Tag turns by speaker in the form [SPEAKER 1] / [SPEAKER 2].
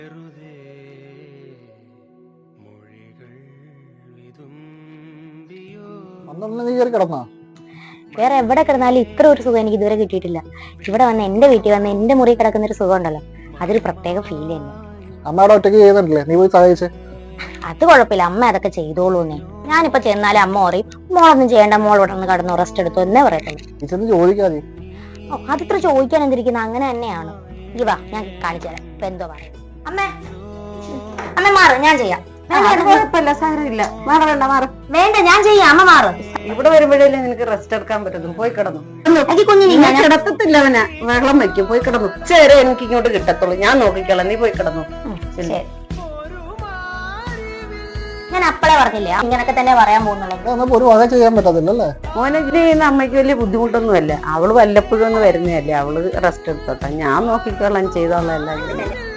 [SPEAKER 1] നീ കയറി കിടന്നാ?
[SPEAKER 2] വേറെ എവിടെ കിടന്നാലും ഇത്ര ഒരു സുഖം എനിക്ക് ഇതുവരെ കിട്ടിയിട്ടില്ല. ഇവിടെ വന്ന് എന്റെ വീട്ടിൽ വന്ന് എന്റെ മുറി കിടക്കുന്ന ഒരു സുഖം ഉണ്ടല്ലോ, അതൊരു പ്രത്യേക ഫീൽ തന്നെ.
[SPEAKER 1] അമ്മയുടെ ഒറ്റയ്ക്ക് ചെയ്യുന്നുണ്ടല്ലേ, നീ പോയി സഹായിച്ചേ.
[SPEAKER 2] അത് കുഴപ്പമില്ല, അമ്മ അതൊക്കെ ചെയ്തോളൂന്നേ. ഞാനിപ്പോ ചെന്നാലും അമ്മ പറയും മോളൊന്നും ചെയ്യേണ്ട, മോൾ ഇവിടെ നിന്ന് കടന്നു റെസ്റ്റ് എടുത്തു എന്നേ പറയത്തുള്ളൂ.
[SPEAKER 1] ചോദിക്കാതെ.
[SPEAKER 2] ഓ, അതിത്ര ചോദിക്കാൻ എന്തിരിക്കുന്ന, അങ്ങനെ തന്നെയാണ്. ഈ വാ, ഞാൻ കാണിച്ചു തരാം ഇപ്പൊ എന്തോ പറയും. അമ്മേ അമ്മ മാറ്, ഞാൻ ചെയ്യാം.
[SPEAKER 3] കുഴപ്പമില്ല, സാരമില്ല. മാറണ്ട, മാറ.
[SPEAKER 2] വേണ്ട, ഞാൻ ചെയ്യാം. അമ്മ മാറ്.
[SPEAKER 3] ഇവിടെ വരുമ്പോഴല്ലേ നിനക്ക് റെസ്റ്റ് എടുക്കാൻ പറ്റുന്നു. പോയി കിടന്നു.
[SPEAKER 2] കുഞ്ഞിനെ
[SPEAKER 3] കിടത്തത്തില്ല, അവനെ വെള്ളം വെക്കും. പോയി കിടന്നു. ചേരെ എനിക്ക് ഇങ്ങോട്ട് കിട്ടത്തുള്ളൂ. ഞാൻ നോക്കിക്കോളാം, നീ പോയി കിടന്നു.
[SPEAKER 2] ഞാൻ അപ്പളെ പറഞ്ഞില്ലേ ഇങ്ങനൊക്കെ തന്നെ പറയാൻ പോകുന്നുള്ളത്.
[SPEAKER 1] ഒരു വക ചെയ്യാൻ പറ്റത്തില്ലല്ലേ
[SPEAKER 3] മോനെ. ഇത് ചെയ്യുന്ന അമ്മയ്ക്ക് വലിയ ബുദ്ധിമുട്ടൊന്നും അല്ല. അവള് വല്ലപ്പോഴും ഒന്ന് വരുന്നതല്ലേ. അവള് റെസ്റ്റ് എടുത്തോട്ടെ, ഞാൻ നോക്കിക്കോളാം, ചെയ്തോളാം എല്ലാം.